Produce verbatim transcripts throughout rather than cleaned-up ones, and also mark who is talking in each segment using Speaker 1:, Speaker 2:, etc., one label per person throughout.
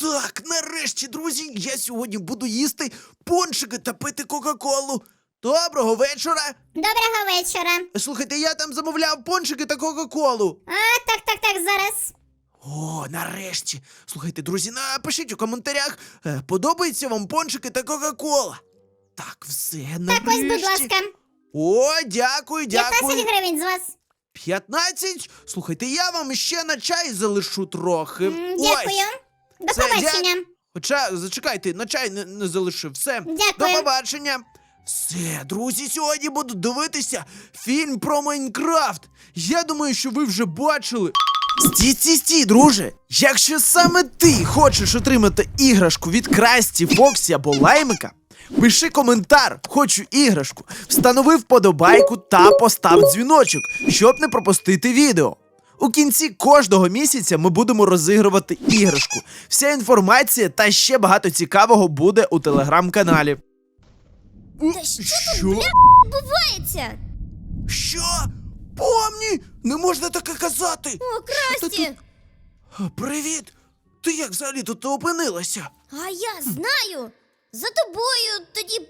Speaker 1: Так, нарешті, друзі, я сьогодні буду їсти пончики та пити Кока-Колу. Доброго вечора.
Speaker 2: Доброго вечора.
Speaker 1: Слухайте, я там замовляв пончики та Кока-Колу.
Speaker 2: А, так, так, так, зараз.
Speaker 1: О, нарешті. Слухайте, друзі, напишіть у коментарях, е, подобаються вам пончики та Кока-Кола. Так, все, нарешті.
Speaker 2: Так, ось, будь ласка.
Speaker 1: О, дякую, дякую.
Speaker 2: п'ятнадцять гривень з вас.
Speaker 1: п'ятнадцять? Слухайте, я вам ще на чай залишу трохи.
Speaker 2: М,
Speaker 1: Ось.
Speaker 2: Дякую. До
Speaker 1: Це
Speaker 2: побачення.
Speaker 1: дя- Хоча, зачекайте, на чай не, не залишив. Все,
Speaker 2: Дякую.
Speaker 1: до побачення. Все, друзі, сьогодні буду дивитися фільм про Майнкрафт. Я думаю, що ви вже бачили. Стій, стій, стій, друже. Якщо саме ти хочеш отримати іграшку від Красті, Фоксі або Лаймика, пиши коментар, хочу іграшку, встанови вподобайку та постав дзвіночок, щоб не пропустити відео. У кінці кожного місяця ми будемо розігрувати іграшку. Вся інформація та ще багато цікавого буде у телеграм-каналі.
Speaker 2: Та що тут, бля, відбувається?
Speaker 1: Що? Помні! Не можна таке казати!
Speaker 2: О,
Speaker 1: Що ти
Speaker 2: Красті!
Speaker 1: тут? Привіт! Ти як взагалі тут опинилася?
Speaker 2: А я знаю. За тобою тоді...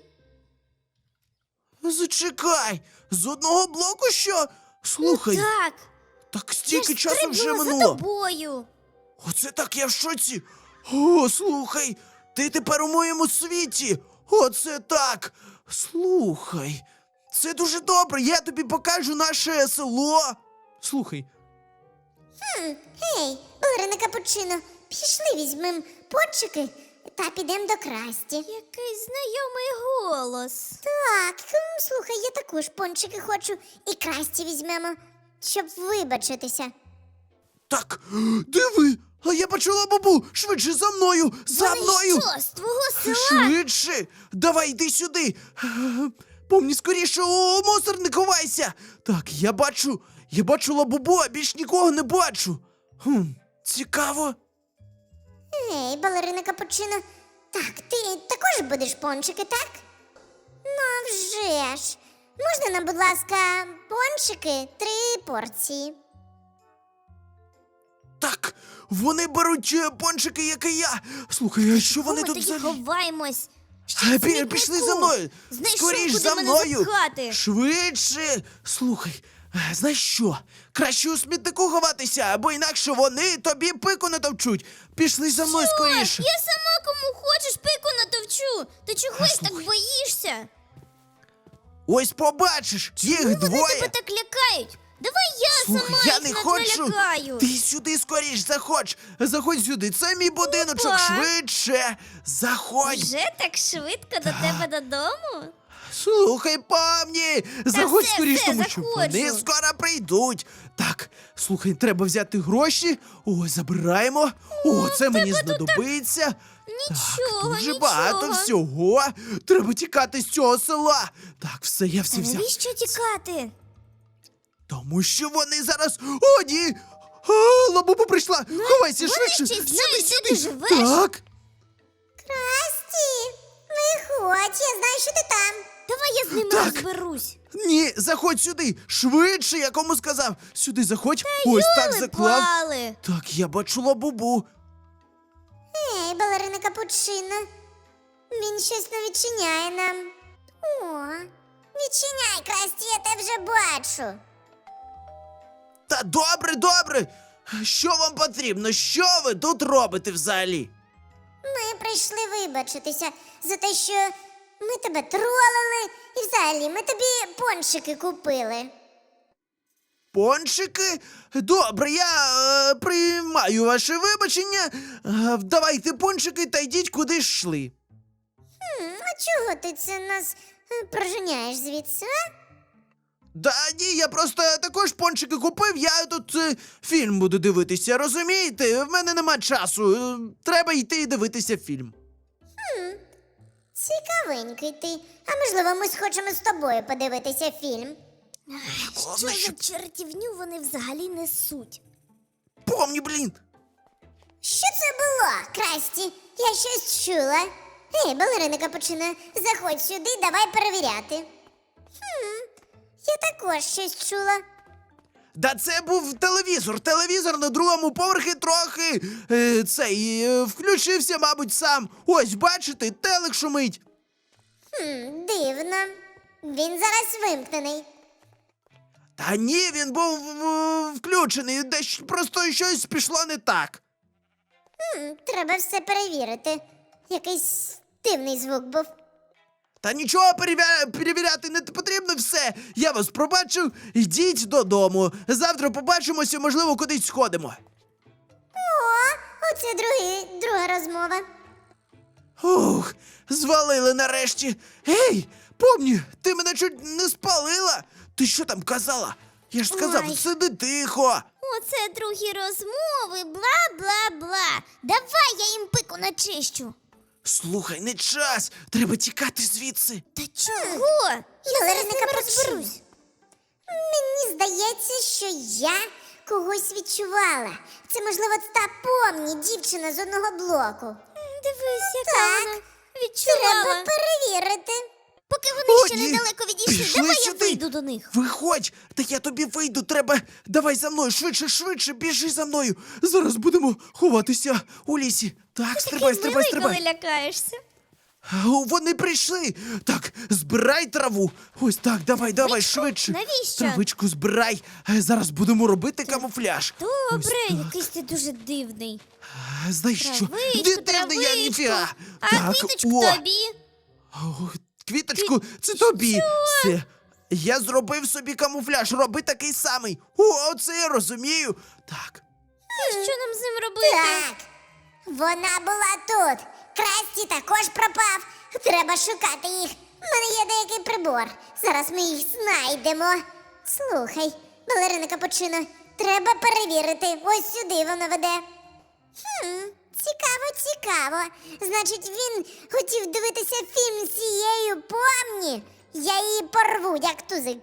Speaker 1: Зачекай! З одного блоку що? Слухай,
Speaker 2: Так.
Speaker 1: так
Speaker 2: Я
Speaker 1: стільки
Speaker 2: ж
Speaker 1: часу вже
Speaker 2: стрибнула за
Speaker 1: минуло.
Speaker 2: тобою.
Speaker 1: Оце так я в шоці. О, слухай, ти тепер у моєму світі. Оце так. Слухай, це дуже добре. Я тобі покажу наше село. Слухай,
Speaker 2: Гей, балерина Капучино, пішли візьмем пончики та підемо до Красті. Який знайомий голос. Так, м, слухай, я також пончики хочу і Красті візьмемо, щоб вибачитися.
Speaker 1: так, диви, а я почула бабу. Швидше за мною, за
Speaker 2: Вони
Speaker 1: мною.
Speaker 2: що, з твого села?
Speaker 1: Швидше! Давай, йди сюди! Е, Помні, скоріше у мусорник ховайся! Так, я бачу, я бачу лабубу, а більш нікого не бачу. Хм, цікаво.
Speaker 2: Ей, балерина Капучино, так, ти також будеш пончики, так? Ну, а вже ж. Можна нам, будь ласка, пончики три порції?
Speaker 1: Так, вони беруть е, пончики, як і я. Слухай, а що вони
Speaker 2: Ми
Speaker 1: тут
Speaker 2: тоді
Speaker 1: взагалі?
Speaker 2: ховаємось.
Speaker 1: Е, пі- Пішли за мною!
Speaker 2: Знайшов,
Speaker 1: Скоріш
Speaker 2: куди
Speaker 1: за
Speaker 2: мене
Speaker 1: мною!
Speaker 2: запхати.
Speaker 1: Швидше! Слухай, е, знаєш що? Краще у смітнику ховатися, або інакше вони тобі пику натовчуть. Пішли за мною скоріше.
Speaker 2: Я сама кому хочеш пику натовчу. Ти чогось так
Speaker 1: слухай.
Speaker 2: боїшся?
Speaker 1: Ось побачиш, їх
Speaker 2: Чому вони
Speaker 1: двоє.
Speaker 2: тебе так лякають? Давай я
Speaker 1: Слухай,
Speaker 2: сама
Speaker 1: я
Speaker 2: їх
Speaker 1: не
Speaker 2: над-
Speaker 1: хочу.
Speaker 2: налякаю.
Speaker 1: Ти сюди скоріш заходь. Заходь сюди. Це мій будиночок.
Speaker 2: Опа.
Speaker 1: Швидше. Заходь.
Speaker 2: Вже так швидко до тебе додому?
Speaker 1: Слухай, помні. Заходь
Speaker 2: все,
Speaker 1: скоріш,
Speaker 2: все,
Speaker 1: тому що
Speaker 2: заходжу.
Speaker 1: вони скоро прийдуть. Так, слухай, треба взяти гроші. О, забираємо. О, це мені знадобиться.
Speaker 2: Нічого,
Speaker 1: Так, дуже
Speaker 2: нічого.
Speaker 1: багато всього. Треба тікати з цього села. Так, все, я все
Speaker 2: Та
Speaker 1: взяв.
Speaker 2: навіщо тікати?
Speaker 1: Тому що вони зараз. О, ні! А, лабуба прийшла! Ховайся
Speaker 2: вони
Speaker 1: швидше!
Speaker 2: ще
Speaker 1: Сюди,
Speaker 2: знають, де
Speaker 1: сюди!
Speaker 2: ти живеш.
Speaker 1: Так!
Speaker 2: Красті, виходь, я знаю, що ти там. Давай я з ними
Speaker 1: Так.
Speaker 2: розберусь.
Speaker 1: Ні, заходь сюди! Швидше, я кому сказав! Сюди заходь! Ось так заклав!
Speaker 2: Пали.
Speaker 1: Так, я бачу лабубу.
Speaker 2: Ей, балерина Капучино. Він щось не відчиняє нам. О, відчиняй, Красті, я тебе вже бачу.
Speaker 1: Та добре, добре! Що вам потрібно? Що ви тут робите взагалі?
Speaker 2: Ми прийшли вибачитися за те, що ми тебе тролили, і взагалі ми тобі пончики купили.
Speaker 1: Пончики? Добре, я е, приймаю ваше вибачення. Е, давайте пончики та йдіть куди ж йшли.
Speaker 2: М, а чого ти це нас е, проженяєш звідси, а?
Speaker 1: Да ні, я просто також пончики купив, я тут е, фільм буду дивитися, розумієте? В мене нема часу. е, треба йти і дивитися фільм.
Speaker 2: Цікавенький ти. А можливо, ми схочемо з тобою подивитися фільм.
Speaker 1: Головне,
Speaker 2: Що
Speaker 1: що-
Speaker 2: за чертівню вони взагалі несуть?
Speaker 1: Помні, блін.
Speaker 2: Що це було, Красті? Я щось чула. Ей, балерина Капучино, заходь сюди, давай перевіряти. Хм, я також щось чула.
Speaker 1: Да це був телевізор. Телевізор на другому поверхі трохи е, цей е, включився, мабуть, сам. Ось, бачите, телек шумить.
Speaker 2: Хм, дивно. Він зараз вимкнений.
Speaker 1: Та ні, він був е, включений, десь просто щось пішло не так.
Speaker 2: Хм, треба все перевірити. Якийсь дивний звук був.
Speaker 1: Та нічого перевя... перевіряти не потрібно все. Я вас пробачив, йдіть додому. Завтра побачимося, можливо, кудись сходимо.
Speaker 2: О, оце другий, друга розмова.
Speaker 1: Ух, звалили нарешті. Ей, помні, ти мене чуть не спалила. Ти що там казала? Я ж сказав,
Speaker 2: Ой.
Speaker 1: сиди тихо.
Speaker 2: Оце другі розмови, бла-бла-бла. Давай я їм пику начищу.
Speaker 1: Слухай, не час. Треба тікати звідси.
Speaker 2: Та чого? Я зараз з ними розберусь. Мені здається, що я когось відчувала. Це, можливо, та помні дівчина з одного блоку. Дивись, яка
Speaker 3: Так,
Speaker 2: вона
Speaker 3: відчувала.
Speaker 2: Треба перевірити.
Speaker 3: Поки вони
Speaker 1: О,
Speaker 3: ще
Speaker 1: ні.
Speaker 3: недалеко відійшли,
Speaker 1: Пішли
Speaker 3: давай я
Speaker 1: сюди.
Speaker 3: вийду до них.
Speaker 1: Виходь, та я тобі вийду, треба. Давай за мною, швидше, швидше, біжи за мною. Зараз будемо ховатися у лісі. Так, стрибай, стрибай,
Speaker 3: Милий,
Speaker 1: стрибай.
Speaker 3: коли лякаєшся.
Speaker 1: О, вони прийшли. Так, збирай траву. Ось так, давай, давай, швидше.
Speaker 3: Навіщо?
Speaker 1: Травичку збирай. Е, Зараз будемо робити камуфляж. Ось
Speaker 3: Добре,
Speaker 1: так.
Speaker 3: якийсь ти дуже дивний.
Speaker 1: Е, Знаєш що?
Speaker 3: Травичку,
Speaker 1: Дитина я
Speaker 3: травичку.
Speaker 1: ніфіга.
Speaker 3: А
Speaker 1: Так,
Speaker 3: квіточку
Speaker 1: о.
Speaker 3: тобі.
Speaker 1: О, квіточку, це тобі. Все. Я зробив собі камуфляж, роби такий самий. О, це я розумію. Так.
Speaker 3: І що нам з ним робити?
Speaker 2: Так, вона була тут. Красті також пропав. Треба шукати їх. У мене є деякий прибор. Зараз ми їх знайдемо. Слухай, балерина Капучино, треба перевірити. Ось сюди воно веде. Хм, цікаво, цікаво. Значить, він хотів дивитися фільм з цією помні. Я її порву, як тузик.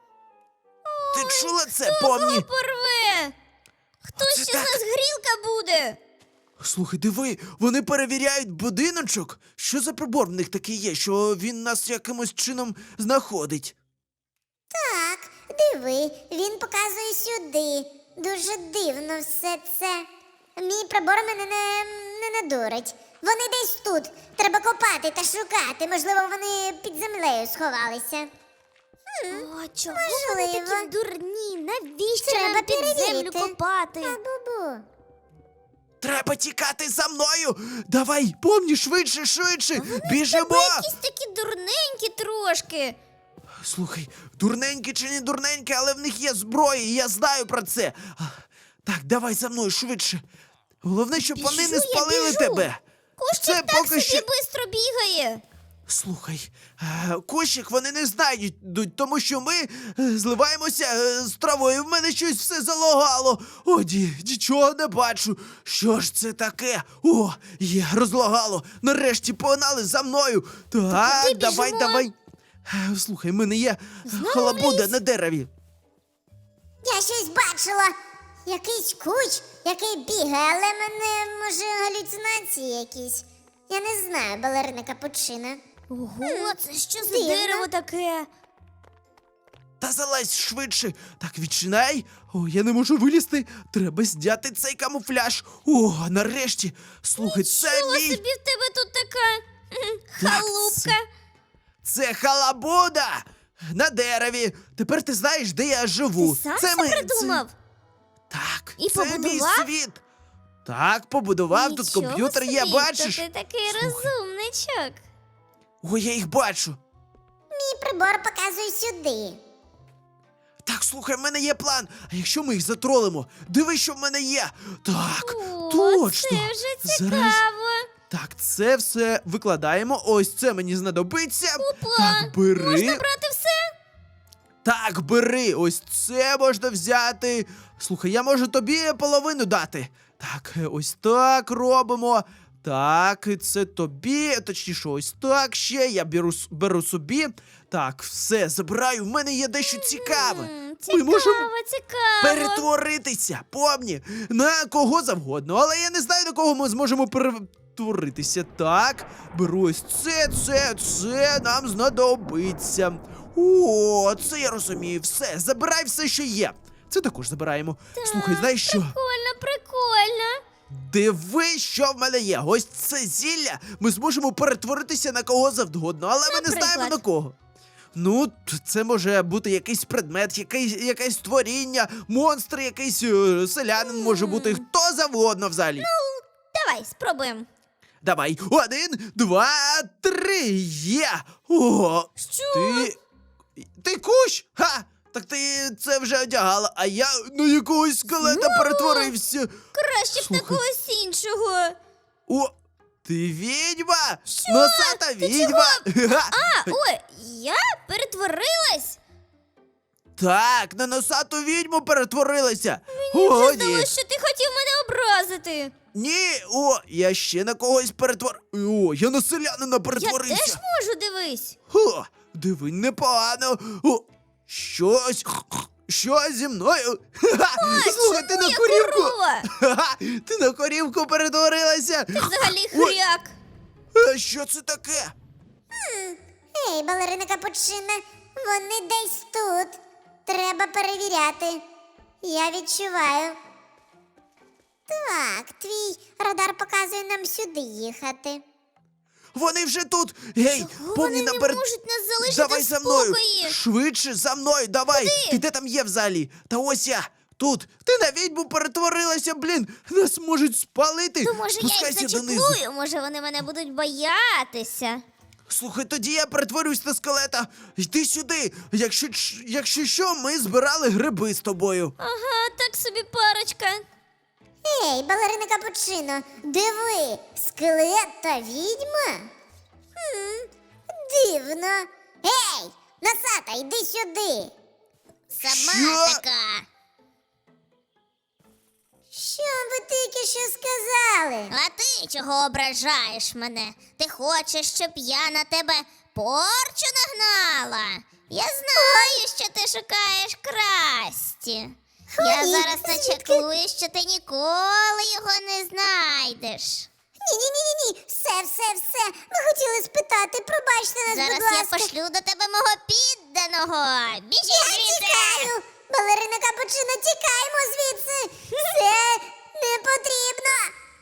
Speaker 1: Ти чула це,
Speaker 3: Хто
Speaker 1: помні?
Speaker 3: кого порве? Хто
Speaker 1: Оце
Speaker 3: ще
Speaker 1: так.
Speaker 3: з нас грілка буде?
Speaker 1: Слухай, диви, вони перевіряють будиночок. Що за прибор в них такий є, що він нас якимось чином знаходить?
Speaker 2: Так, диви, він показує сюди. Дуже дивно все це. Мій прибор мене не, не надурить. Вони десь тут. Треба копати та шукати. Можливо, вони під землею сховалися.
Speaker 3: О, чого вони
Speaker 2: можливо.
Speaker 3: такі дурні? Навіщо
Speaker 2: Треба
Speaker 3: нам під
Speaker 2: перевірити.
Speaker 3: землю копати?
Speaker 2: А-бу-бу.
Speaker 1: Треба тікати за мною! Давай, помні, швидше, швидше! Біжимо!
Speaker 3: Тебе якісь такі дурненькі трошки.
Speaker 1: Слухай, дурненькі чи не дурненькі, але в них є зброя, і я знаю про це. А, Так, давай за мною швидше. Головне, щоб
Speaker 3: Біжу,
Speaker 1: вони не
Speaker 3: я
Speaker 1: спалили
Speaker 3: біжу.
Speaker 1: тебе.
Speaker 3: Кущик
Speaker 1: Це
Speaker 3: так
Speaker 1: поки
Speaker 3: собі
Speaker 1: що-
Speaker 3: бистро бігає.
Speaker 1: Слухай, е, кущик вони не знайдуть, тому що ми е, зливаємося е, з травою. В мене щось все залагало. О, ді, нічого не бачу. Що ж це таке? О, є, розлагало. Нарешті погнали за мною. Так,
Speaker 3: куди
Speaker 1: давай,
Speaker 3: біжимо?
Speaker 1: давай. Е, Слухай, в мене є халабуда на дереві.
Speaker 2: Я щось бачила. Якийсь куч, який бігає, але мене, може, галюцинації якісь. Я не знаю, балерина Капучино.
Speaker 3: Ого, це що за
Speaker 2: дивно.
Speaker 3: дерево таке?
Speaker 1: Та залазь швидше. Так, відчинай. О, я не можу вилізти. Треба зняти цей камуфляж. О, нарешті. Слухай, це
Speaker 3: Чого
Speaker 1: мій.
Speaker 3: собі в тебе тут така кхм,
Speaker 1: Так,
Speaker 3: халупка?
Speaker 1: Це халабуда на дереві. Тепер ти знаєш, де я живу.
Speaker 3: Ти сам
Speaker 1: це
Speaker 3: це
Speaker 1: ми-
Speaker 3: придумав?
Speaker 1: Це... Так,
Speaker 3: І
Speaker 1: це мій
Speaker 3: побудував?
Speaker 1: світ. Так, побудував, тут
Speaker 3: Нічого
Speaker 1: комп'ютер є,
Speaker 3: собі,
Speaker 1: бачиш?
Speaker 3: Та ти такий
Speaker 1: Слухай.
Speaker 3: розумничок.
Speaker 1: О, я їх бачу.
Speaker 2: Мій прибор показує сюди.
Speaker 1: Так, слухай, в мене є план. А якщо ми їх затролимо? Диви, що в мене є. Так,
Speaker 3: О,
Speaker 1: точно.
Speaker 3: це вже цікаво.
Speaker 1: Зараз... Так, це все викладаємо. Ось це мені знадобиться.
Speaker 3: Опа,
Speaker 1: Так, бери.
Speaker 3: Можна брати все?
Speaker 1: Так, бери, ось це можна взяти. Слухай, я можу тобі половину дати. Так, е, ось так робимо. Так, і це тобі, точніше, ось так ще. Я беру, с- беру собі. Так, все, забираю. В мене є дещо цікаве.
Speaker 3: М,
Speaker 1: Ми
Speaker 3: Цікаво,
Speaker 1: можемо
Speaker 3: цікаво.
Speaker 1: перетворитися, помні, на кого завгодно. Але я не знаю, на кого ми зможемо перетворитися. Так, беру ось це, це, це нам знадобиться. О, це я розумію. Все, забирай все, що є. Це також забираємо. Слухай, знаєш що?
Speaker 3: Прикольно, прикольно.
Speaker 1: Диви, що в мене є. Ось це зілля. Ми зможемо перетворитися на кого завгодно, але ми не знаємо
Speaker 3: Наприклад?
Speaker 1: на кого. Ну, т- це може бути якийсь предмет, якийсь, якесь творіння, монстр, якийсь е, селянин може бути, хто завгодно взагалі.
Speaker 3: Давай, спробуємо.
Speaker 1: Давай, один, два, три, є! Ого!
Speaker 3: Що?
Speaker 1: Ти. Ти кущ? Ха! Так ти це вже одягала, а я на якогось скелета перетворився.
Speaker 3: Краще б
Speaker 1: Слухай.
Speaker 3: на когось іншого.
Speaker 1: О! Ти відьма! Носата відьма! Ха!
Speaker 3: А, ой, я перетворилась?
Speaker 1: Так, на носату відьму перетворилася.
Speaker 3: Мені
Speaker 1: О,
Speaker 3: вже
Speaker 1: ні.
Speaker 3: здалося, що ти хотів мене образити.
Speaker 1: Ні, о, я ще на когось перетвор... О, я на селянина
Speaker 3: Я
Speaker 1: перетворився.
Speaker 3: теж можу, дивись.
Speaker 1: О, диви, непогано. О, щось, що зі мною? Ха-ха, слухай, ти на
Speaker 3: Я
Speaker 1: корівку.
Speaker 3: корова.
Speaker 1: Ха-ха, ти на корівку перетворилася.
Speaker 3: Взагалі
Speaker 1: Ой,
Speaker 3: хряк.
Speaker 1: а що це таке?
Speaker 2: Ей, балерина Капучина, вони десь тут. Треба перевіряти. Я відчуваю. Так, твій радар показує нам сюди їхати.
Speaker 1: Вони вже тут. Гей,
Speaker 3: Чого
Speaker 1: повні
Speaker 3: вони не
Speaker 1: наперед.
Speaker 3: можуть нас залишити
Speaker 1: Давай
Speaker 3: в
Speaker 1: за мною.
Speaker 3: спокої?
Speaker 1: Швидше за мною, давай.
Speaker 3: Куди?
Speaker 1: Ти де там є взагалі? Та ось я. Тут. Ти на відьму перетворилася, блін. Нас можуть спалити.
Speaker 3: То може я їх
Speaker 1: Спускайся донизу.
Speaker 3: зачеплую, може вони мене будуть боятися.
Speaker 1: Слухай, тоді я перетворюсь на скелета. Йди сюди. Якщо, ч- якщо що, ми збирали гриби з тобою.
Speaker 3: Ага, так собі парочка.
Speaker 2: Ей, балерина Капучино, диви, скелет та відьма? Хм, дивно. Ей, носата, йди сюди.
Speaker 1: Сама Що?
Speaker 2: така. Що ви тільки що сказали?
Speaker 4: А ти чого ображаєш мене? Ти хочеш, щоб я на тебе порчу нагнала? Я знаю, що ти шукаєш красті. Я
Speaker 2: Ой,
Speaker 4: зараз
Speaker 2: звідки?
Speaker 4: начеклую, що ти ніколи його не знайдеш.
Speaker 2: Ні-ні-ні-ні, все, все, все. Ми хотіли спитати, пробачте нас,
Speaker 4: Зараз
Speaker 2: будь
Speaker 4: я
Speaker 2: ласка.
Speaker 4: пошлю до тебе мого підданого. Біжи
Speaker 2: Я
Speaker 4: звідси!
Speaker 2: тікаю! Балерина Капучино, тікаємо звідси! Це не потрібно!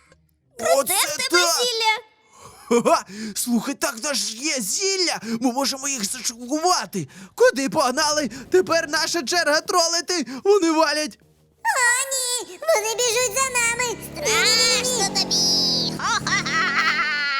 Speaker 1: Оце
Speaker 3: Де в тебе
Speaker 1: так!
Speaker 3: зілля?
Speaker 1: Ха-ха! Слухай, так в нас ж є зілля! Ми можемо їх зашокувати! Куди погнали? Тепер наша черга тролити! Вони валять!
Speaker 2: О, ні! Вони біжуть за нами!
Speaker 4: Страшно тобі! Хо-ха-ха!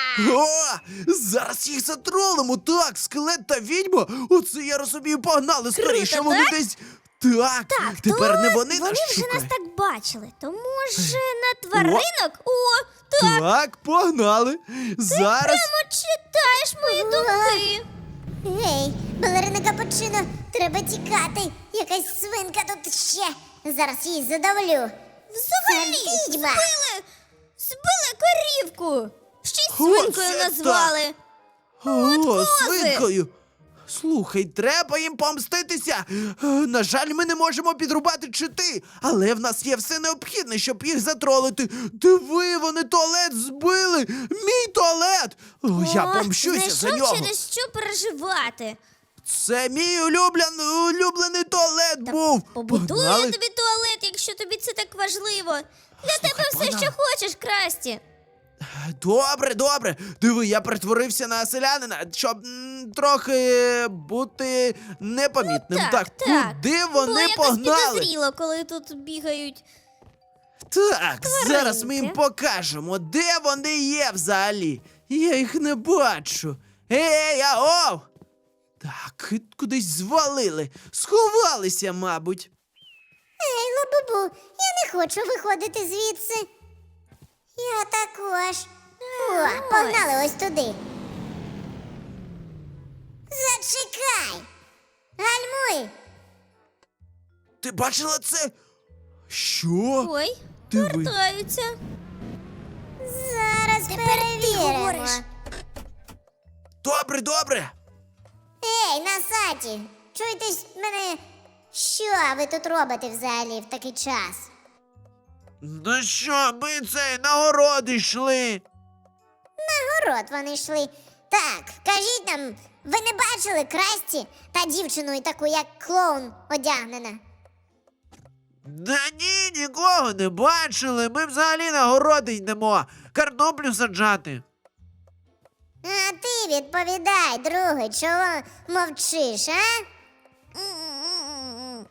Speaker 1: О! Зараз їх затролимо! Так, скелет та відьма! Оце я розумію, погнали скоріше! Вони
Speaker 3: так?
Speaker 1: десь. Так, тепер не вони,
Speaker 3: Вони
Speaker 1: нас
Speaker 3: вже нас
Speaker 1: шукають.
Speaker 3: так бачили. То може на тваринок? О, так,
Speaker 1: Так, погнали! Зараз.
Speaker 3: прямо читаєш мої думки.
Speaker 2: Гей, балерина Капучино, треба тікати! Якась свинка тут ще! Зараз її задавлю!
Speaker 3: Взагалі,
Speaker 2: Це відьма.
Speaker 3: збили, збили корівку. Ще й
Speaker 1: О,
Speaker 3: свинкою
Speaker 1: це
Speaker 3: назвали.
Speaker 1: О,
Speaker 3: кози.
Speaker 1: свинкою! Слухай, треба їм помститися. Е, На жаль, ми не можемо підрубати чити, але в нас є все необхідне, щоб їх затролити. Диви, вони туалет збили! Мій туалет! О, я
Speaker 3: О,
Speaker 1: помщуся за
Speaker 3: знайшов
Speaker 1: нього.
Speaker 3: через що переживати.
Speaker 1: Це мій улюблений, улюблений туалет був.
Speaker 3: Побудую
Speaker 1: Погнали.
Speaker 3: я тобі туалет, якщо тобі це так важливо. Для
Speaker 1: Слухай,
Speaker 3: тебе все,
Speaker 1: погнали.
Speaker 3: що хочеш, Красті.
Speaker 1: Добре, добре. Диви, я перетворився на селянина, щоб м, трохи бути непомітним.
Speaker 3: Так, так.
Speaker 1: куди
Speaker 3: Було
Speaker 1: вони
Speaker 3: якось
Speaker 1: погнали?
Speaker 3: підозріло, коли тут бігають.
Speaker 1: Так, зараз ми їм
Speaker 3: Тваринки.
Speaker 1: покажемо, де вони є взагалі. Я їх не бачу. Ей, аов! Так, кудись звалили. Сховалися, мабуть.
Speaker 2: Ей, лабубу, я не хочу виходити звідси. Я також. О, погнали ось туди. Зачекай! Гальмуй!
Speaker 1: Ти бачила це? Що?
Speaker 3: Ой,
Speaker 1: Диви.
Speaker 3: вертаються.
Speaker 2: Зараз перевіримо.
Speaker 3: говориш.
Speaker 1: Добре, добре.
Speaker 2: Ей, Насаті, чуєтесь мене? Що ви тут робите взагалі в такий час?
Speaker 1: Ну що, ми цей на город йшли.
Speaker 2: На город вони йшли. Так, кажіть нам, ви не бачили Красті та дівчину і таку, як клоун одягнена?
Speaker 1: Да ні, нікого не бачили. Ми взагалі на городи йдемо. Картоплю саджати.
Speaker 2: А ти відповідай, другий, чого мовчиш, а?
Speaker 4: М-м-м.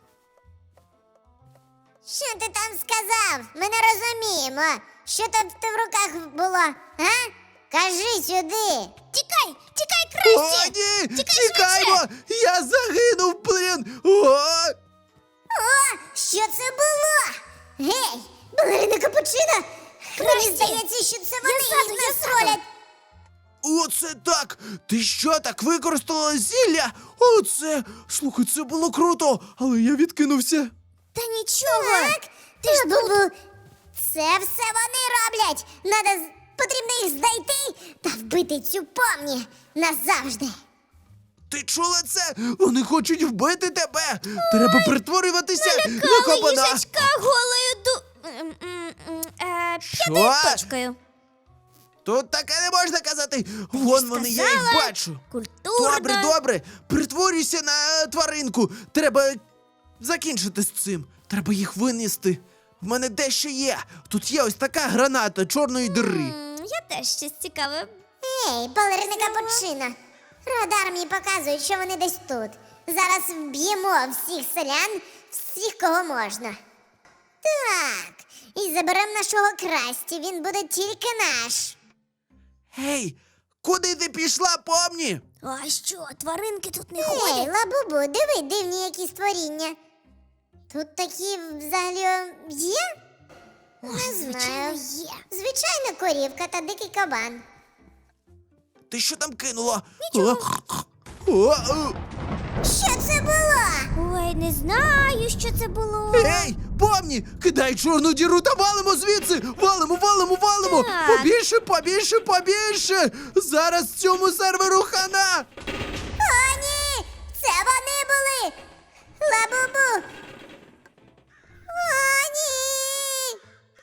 Speaker 2: Що ти там сказав? Ми не розуміємо. Що там в тебе в руках було, а? Кажи сюди.
Speaker 4: Тікай, тікай,
Speaker 1: О,
Speaker 4: Красті!
Speaker 1: ні!
Speaker 4: Тікай
Speaker 1: Тікаймо! Я загинув, блін! О!
Speaker 2: О, що це було? Гей, балерина Капучино! Мені здається, що це вони
Speaker 4: ззаду,
Speaker 2: їх
Speaker 4: я
Speaker 2: нас
Speaker 4: ззаду.
Speaker 2: ролять.
Speaker 1: Оце так! Ти що, так використала зілля? Оце! Слухай, це було круто, але я відкинувся.
Speaker 3: Та нічого.
Speaker 2: Так, ти ж тут. Це все вони роблять. Надо, з- потрібно їх знайти та вбити цю помні назавжди.
Speaker 1: Ти чула це? Вони хочуть вбити тебе! Треба притворюватися на
Speaker 3: Кала
Speaker 1: кабана!
Speaker 3: їжачка голою ду... м, м, м, е,
Speaker 1: Що?
Speaker 3: п'ятою точкою.
Speaker 1: Тут таке не можна казати! Вон вони, я їх
Speaker 3: сказала.
Speaker 1: бачу!
Speaker 3: Культурно.
Speaker 1: Добре, добре, притворюйся на е, тваринку. Треба закінчити з цим. Треба їх винести. В мене дещо є. Тут є ось така граната чорної дири.
Speaker 3: М, Я теж щось цікаве.
Speaker 2: Ей, балерина Капучино. Радар мені показує, що вони десь тут. Зараз вб'ємо всіх селян, всіх, кого можна. Так, і заберемо нашого Красті, він буде тільки наш.
Speaker 1: Гей, куди ти пішла, помні?
Speaker 3: А що, тваринки тут не
Speaker 2: Ей,
Speaker 3: ходять?
Speaker 2: лабубу, диви, дивні які створіння. Тут такі взагалі є? Не знаю.
Speaker 3: звичайно, є.
Speaker 2: Звичайно, корівка та дикий кабан.
Speaker 1: Ти що там кинула? Нічого. О, о,
Speaker 2: Що це було?
Speaker 3: Ой, не знаю, що це було.
Speaker 1: Ей, помні, кидай чорну діру та валимо звідси! Валимо, валимо, валимо!
Speaker 3: Так.
Speaker 1: Побільше, побільше, побільше! Зараз цьому серверу